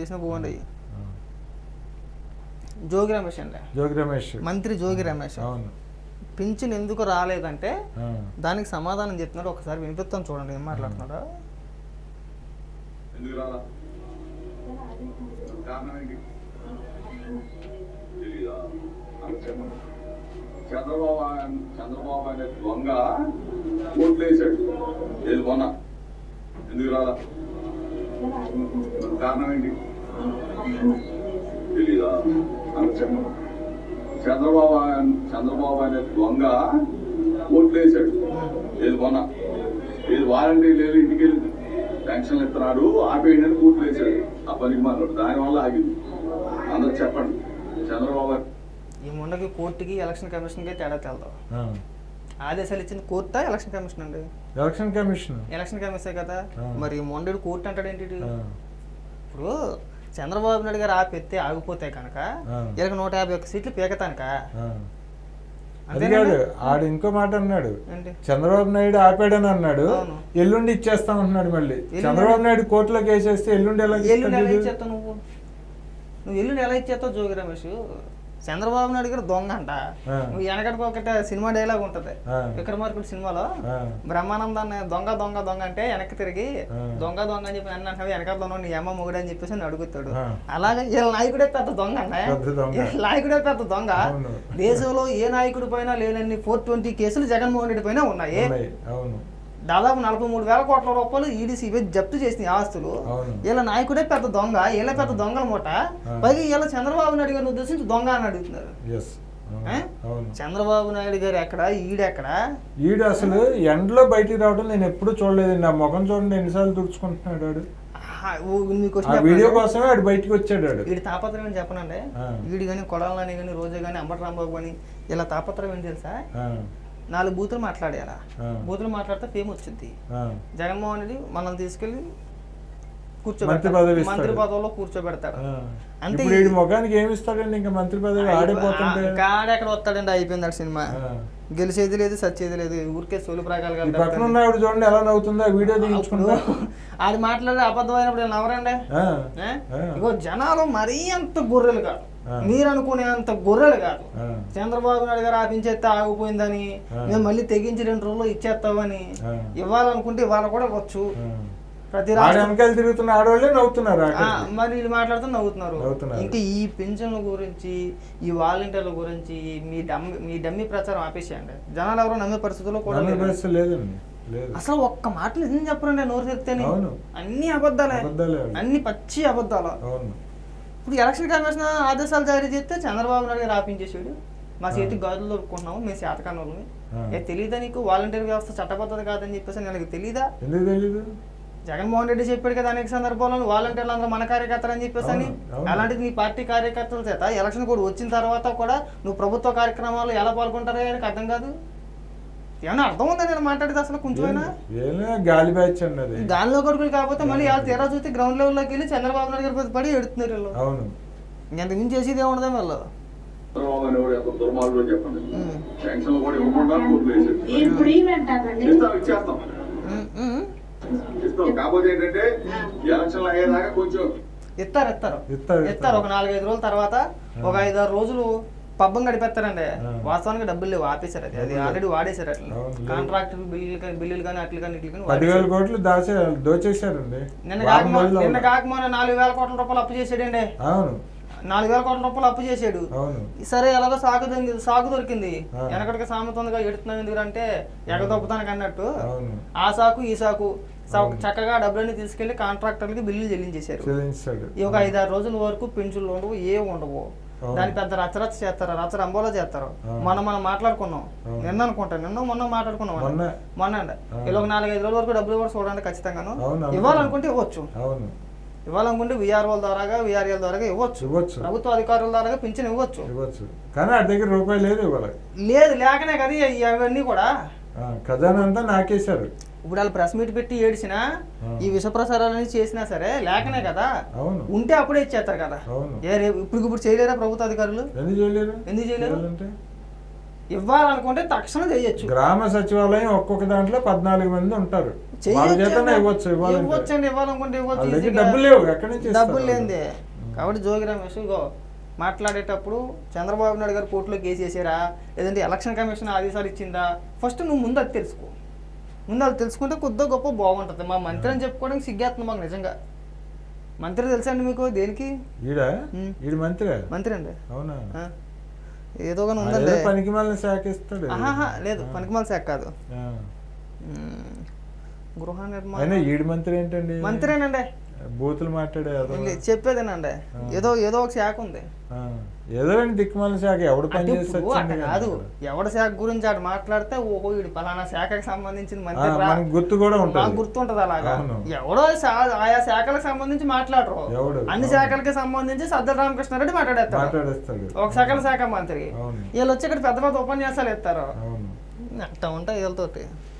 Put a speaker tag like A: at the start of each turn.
A: చేసినా బాగుండయి. జోగి రమేష్ అండి,
B: జోగి రమేష్
A: మంత్రి జోగి రమేష్.
B: అవును.
A: పింఛన్ ఎందుకు రాలేదంటే దానికి సమాధానం చెప్తున్నాడు. ఒకసారి వినిపిస్తాను చూడండి ఏం మాట్లాడుతున్నాడు.
C: చంద్రబాబు అనే దొంగ ఓట్లేసాడు, ఏది మొన్న ఎందుకు రాలా? కారణం ఏంటి తెలీదా? చంద్రబాబు అనే దొంగ ఓట్లేసాడు, ఏది మొన్న ఏది వారంటీ లేదు, ఇంటికి వెళ్ళి పెన్షన్లు ఇస్తున్నాడు, ఆపేయండి అని ఓట్లు వేసాడు. ఆ పనికి మాట్లాడు, దానివల్ల ఆగింది. అందరూ చెప్పండి. చంద్రబాబు
A: ఈ మొండకి కోర్టుకి ఎలక్షన్ కమిషన్కి తేడా తెలదు. ఆదేశాలు ఇచ్చింది కోర్టా ఎలక్షన్ కమిషన్ అండి?
B: Election commission.
A: ఎలక్షన్ కమిషన్ కదా. మరి మొండడు కోర్టు అంటాడు ఏంటి? ఇప్పుడు చంద్రబాబు నాయుడు గారు ఆపెత్తే ఆగిపోతే కనుక ఇలాగ 151 సీట్లు పీకతానుక.
B: అదిగాడు ఆడు ఇంకో మాట అన్నాడు, చంద్రబాబు నాయుడు ఆపాడని అన్నాడు, ఎల్లుండి ఇచ్చేస్తాం అంటున్నాడు. మళ్ళీ చంద్రబాబు నాయుడు కోర్టులోకి వేసేస్తే ఎల్లుండి ఎలా
A: ఇచ్చేస్తావు? నువ్వు ఎల్లుండి ఎలా ఇచ్చేస్తావు జోగి రమేష్? చంద్రబాబు నాయుడు గారు దొంగ అంట. నువ్వు వెనకటికి ఒకటి సినిమా డైలాగ్ ఉంటది విక్రమార్కుడు సినిమాలో, బ్రహ్మానందాన్ని దొంగ దొంగ దొంగ అంటే వెనక్కి తిరిగి దొంగ దొంగ అని చెప్పి నన్ను అంటే వెనక దొంగ నీ అమ్మ మొగుడు అని చెప్పేసి నేను అడుగుతాడు. అలాగే వీళ్ళ నాయకుడే పెద్ద దొంగ అంట. నాయకుడే పెద్ద దొంగ. దేశంలో ఏ నాయకుడి పైన లేనన్ని 420 కేసులు జగన్మోహన్ రెడ్డి పైన ఉన్నాయి. దాదాపు 43,000 కోట్ల రూపాయలు ఈడీసీ జప్తు చేసిన ఆస్తులు. వీళ్ళ నాయకుడే పెద్ద దొంగ, వీళ్ళ పెద్ద దొంగల మూట. పైగా వీళ్ళ చంద్రబాబు నాయుడు గారిని ఉద్దేశించి దొంగ అని అడుగుతున్నారు. చంద్రబాబు నాయుడు గారు ఎక్కడ, ఈడెక్కడ?
B: ఈడు అసలు ఎండలో బయటికి రావడం నేను ఎప్పుడు చూడలేదు. నా ముఖం చూడండి ఎన్నిసార్లు తుడుచుకుంటున్నాడు. వీడియో కోసమే ఆడు బయటకు వచ్చాడు.
A: వీడి తాపత్రయం ఏం చెప్పనండి. వీడు కానీ కొడాలని కానీ రోజు కానీ అంబటి రాంబాబు కానీ ఇలా తాపత్రయం ఏంటి తెలుసా? 4 బూతులు మాట్లాడారా, బూతులు మాట్లాడితే ఫేమ్ వచ్చింది. జగన్మోహన్ రెడ్డి మనల్ని తీసుకెళ్లి మంత్రి పదవిలో కూర్చోబెడతాడు. అంతే.
B: ముఖానికి ఏమి ఇస్తాడండి ఇంకా మంత్రి పదవి ఆడిపోతుంటే
A: కాడెక్కడ వస్తాడండి. అయిపోయింది ఆ సినిమా. గెలిచేది లేదు, సచ్చేది లేదు. ఊరికే సోలు ప్రాగాలు
B: చూడండి ఎలా నవ్వుతుందో వీడియో దిగించుకుంటా.
A: అది మాట్లాడే అబద్ధమైనప్పుడు నవ్వరండి. ఇగో జనాలు మరీ అంత గొర్రెలు కాదు, మీరు అనుకునేంత గొర్రెలు కాదు. చంద్రబాబు నాయుడు గారు ఆపించేస్తే ఆగిపోయిందని, మేము మళ్ళీ తెగించి 2 రోజుల్లో ఇచ్చేస్తామని ఇవ్వాలనుకుంటే ఇవాళ కూడా వచ్చు. ప్రతి
B: వెనకాల తిరుగుతున్న ఆడవాళ్ళే నవ్వుతున్నారు.
A: మరి వీళ్ళు మాట్లాడుతూ నవ్వుతున్నారు. ఇంకా ఈ పెన్షన్ల గురించి, ఈ వాలంటీర్ల గురించి మీ డమ్మి ప్రచారం ఆపేసేయండి. జనాలు ఎవరో నమ్మే పరిస్థితుల్లో కూడా
B: లేదండి.
A: అసలు ఒక్క మాటలు నిజం చెప్పరండి. నోరు తెరితేనే అన్ని అబద్ధాలే, అన్ని పచ్చి అబద్ధాలు. ఇప్పుడు ఎలక్షన్ కమిషన్ ఆదేశాలు జారీ చేస్తే చంద్రబాబు నాయుడు గారు ఆపించేసాడు. మా చేతికి గాజులు దొరుకుకుంటున్నాము, మేము శాతకాన్ని వాళ్ళని. తెలీదా నీకు? వాలంటీర్ వ్యవస్థ చట్టబద్ధత కాదని చెప్పేసి నాకు తెలీదా? జగన్మోహన్ రెడ్డి చెప్పాడు కదా అనేక సందర్భాల్లో, వాలంటీర్లు అందరూ మన కార్యకర్తలు అని చెప్పేసి అని. అలాంటిది నీ పార్టీ కార్యకర్తల చేత ఎలక్షన్ కూడా వచ్చిన తర్వాత కూడా నువ్వు ప్రభుత్వ కార్యక్రమాల్లో ఎలా పాల్గొంటారో నాకు అర్థం కాదు. ఏమన్నా అర్థం ఉందా నేను మాట్లాడేది అసలు కొంచెమైనా?
B: గాలి బ్యాచ్ అన్నది.
A: గాలిలో కొడుకులు కాకపోతే మళ్ళీ వాళ్ళు తీరా చూస్తే గ్రౌండ్ లెవెల్లోకి వెళ్ళి చంద్రబాబు నాయుడు గారి పడి ఎడుతున్నారు వీళ్ళు. ఇంత మించి చేసేది ఏముండదా వీళ్ళు? ఇస్తారు ఒక 4-5 రోజుల తర్వాత, ఒక 5-6 రోజులు పబ్బం గడిపేస్తారండి. వాస్తవానికి డబ్బులు లేవు, ఆపేశారు. అది ఆల్రెడీ వాడేశారు. అట్లా కాంట్రాక్ట్ బిల్లులు కానీ అట్లు కానీ ఇట్లు కానీ
B: 10,000 కోట్లు దోచేశారండి.
A: నిన్న కాకమోన 4,000 కోట్ల రూపాయలు అప్పు చేసాడండి. 4,000 కోట్ల రూపాయలు అప్పు చేసాడు. సరే ఎలాగో సాగు దొరికింది. వెనకటికి సామెత ఉందిగా, ఎడుతున్నాం ఎందుకంటే ఎగదొప్పుతానికి అన్నట్టు. ఆ సాకు ఈ సాకు చక్కగా డబ్బులన్నీ తీసుకెళ్లి కాంట్రాక్టర్లకి బిల్లులు చెల్లించేశారు. ఒక 5-6 రోజుల వరకు పెన్షన్లు ఉండవు, ఏం ఉండవు. దాని పెద్ద రచ్చరచ్చ చేస్తారు, రచ్చరంబోలో చేస్తారు. మనం మాట్లాడుకున్నాం నిన్న అనుకుంటా, మొన్న మాట్లాడుకున్నాం. మొన్న అండి ఇలా ఒక 4-5 రోజుల వరకు డబ్బులు కూడా చూడండి ఖచ్చితంగాను. ఇవ్వాలనుకుంటే ఇవ్వచ్చు, ఇవ్వాలనుకుంటే విఆర్ఓల ద్వారాగా విఆర్ఎల్ ద్వారా ఇవ్వచ్చు, ప్రభుత్వ అధికారుల ద్వారా పింఛన్ ఇవ్వచ్చు.
B: కానీ ఆ దగ్గర రూపాయి లేదు,
A: లేదు లేకనే కదా ఇవన్నీ కూడా
B: ఖజానా అంతా నాకేశారు.
A: ఇప్పుడు వాళ్ళు ప్రెస్ మీట్ పెట్టి ఏడిచినా, ఈ విష ప్రసారాలని చేసినా సరే లేకనే కదా. ఉంటే అప్పుడే ఇచ్చేస్తారు కదా. ఇప్పుడు చేయలేరా ప్రభుత్వ అధికారులు?
B: ఎందుకు చేయలేరు?
A: ఇవ్వాలనుకుంటే తక్షణం చేయొచ్చు.
B: గ్రామ సచివాలయం ఒక్కొక్క దాంట్లో 14 మంది ఉంటారు. వాళ్ళ చేతనే ఇవ్వచ్చు.
A: ఇవ్వచ్చండి, ఇవ్వాలనుకుంటే ఇవ్వచ్చు.
B: డబ్బులు లేవు, ఎక్కడి నుంచి
A: డబ్బులు లేనిదే. కాబట్టి జోగి రమేష్ మాట్లాడేటప్పుడు చంద్రబాబు నాయుడు గారు కోర్టులో కేసు వేసారా, లేదంటే ఎలక్షన్ కమిషన్ ఆదేశాలు ఇచ్చిందా, ఫస్ట్ నువ్వు ముందు అది తెలుసుకో. ముందు అది తెలుసుకుంటే కొద్దిగా గొప్ప బాగుంటుంది. మా మంత్రి అని చెప్పుకోవడానికి సిగ్గేస్తుంది మాకు నిజంగా. మంత్రి తెలుసా అండి మీకు? దేనికి మంత్రి అండి?
B: అవునా?
A: ఏదో కానీ ఉందండి.
B: పనికిమాలిన శాఖ ఇస్తాడు.
A: లేదు, పనికిమాలిన శాఖ కాదు, గృహ నిర్మాణం.
B: ఈడు మంత్రి ఏంటండి?
A: మంత్రేనండి,
B: బూతులు మాట్లాడే
A: చెప్పేదేనండి. ఏదో ఒక శాఖ ఉంది,
B: ఏదో దిక్కుమాలిన శాఖ. ఎవడు పని
A: అట్ట కాదు, ఎవడ శాఖ గురించి అటు మాట్లాడితే ఓహో వీడు పలానా శాఖకి సంబంధించిన మంత్రి
B: గుర్తు కూడా ఉంటుంది,
A: గుర్తుంటది. అలాగా ఎవడో ఆయా శాఖలకు సంబంధించి మాట్లాడరు, అన్ని శాఖలకి సంబంధించి సజ్జల రామకృష్ణారెడ్డి మాట్లాడేస్తాడు, ఒక శాఖ మంత్రి. వీళ్ళు వచ్చి ఇక్కడ పెద్ద పెద్ద ఉపన్యాసాలు ఇస్తారు. అట్లా ఉంటాయి వీళ్ళతోటి.